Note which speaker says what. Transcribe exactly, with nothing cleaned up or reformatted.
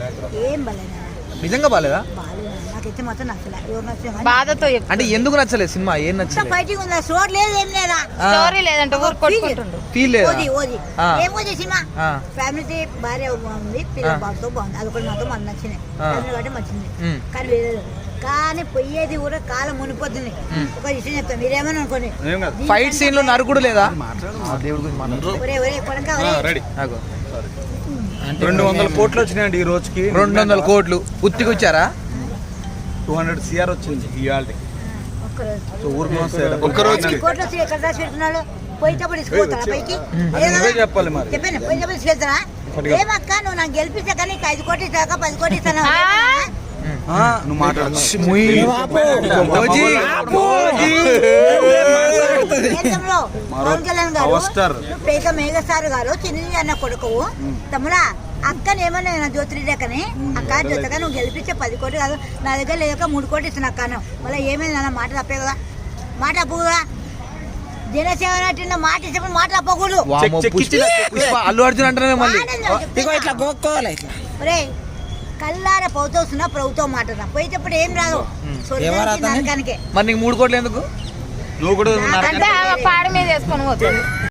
Speaker 1: ఏం బాలేదు
Speaker 2: నిజంగా బాలేదా?
Speaker 1: నాకైతే మాత్రం నచ్చలే. ఎవరు నచ్చలే
Speaker 3: బాధతో
Speaker 2: అంటే ఎందుకు నచ్చలేదు సినిమా? ఏం నచ్చలేదు?
Speaker 1: ఫైటింగ్ ఉందా? స్టోర్ లేదు, ఏం లేదా,
Speaker 3: స్టోరీ లేదంటే ఊరు కొట్టుకుంటుండు.
Speaker 2: ఫీల్ లేదా?
Speaker 1: ఓది ఓది ఏం ఓది సినిమా ఫ్యామిలీ భార్య ఉంది, పిల్లల బాబుతో బాగుంది. అది ఒకటి మాత్రం మనకు నచ్చినాయి, ఫ్యామిలీ కాబట్టి మంచిది. కానీ వేరే కానీ పోయేది కూడా కాలం మునిపోతుంది. ఒక విషయం చెప్తాను, మీరేమని అనుకోండి.
Speaker 2: ఫైట్ సీన్ లో నరుకుడు లేదా?
Speaker 4: రెండు వందల కోట్లు వచ్చినాయండి ఈ రోజుకి.
Speaker 2: రెండు వందల కోట్లు ఉత్తికి వచ్చారా?
Speaker 4: టూ హండ్రెడ్ సిఆర్ వచ్చింది ఇవాళ
Speaker 1: కోట్లు వచ్చి ఎక్కడ దాచి పెడుతున్నాడు? పోయేటప్పుడు తీసుకుపోతారా పైకి?
Speaker 4: చెప్పాలి మరి.
Speaker 1: చెప్పాను, పోయేటప్పుడు తీసుకెళ్తారా? ఏమక్క నువ్వు నాకు గెలిపిస్తా కానీ నీకు ఐదు కోట్లు ఇస్తాక పది కోట్లు ఇస్తాను.
Speaker 4: నువ్వు మాట్లాడు.
Speaker 1: పవన్ కళ్యాణ్ గారు పేక మేఘసారు గారు చిన్ని అన్న కొడుకు తమ్ముడా అక్కని ఏమన్నా జ్యోతిరెడ్డి అక్క జ్యోతిగా నువ్వు గెలిపించే పది కోట్లు కాదు నా దగ్గర లేక మూడు కోట్లు ఇస్తున్నా అక్కను. మళ్ళీ ఏమైంది అన్న మాట తప్పే కదా, మాట తప్పు కదా. జనసేన నటిన మాట ఇచ్చినప్పుడు మాట తప్పకూడదు.
Speaker 2: అల్లు అర్జున్ అంటానే మళ్ళీ
Speaker 1: ఒరే కల్లార పౌతోస్తున్నా ప్రభుత్వం మాట పోయేటప్పుడు ఏం రాదు.
Speaker 2: మరి నీకు మూడు కోట్లు ఎందుకు?
Speaker 4: నువ్వు కూడా
Speaker 3: పాడి మీద వేసుకొని పోతుంది.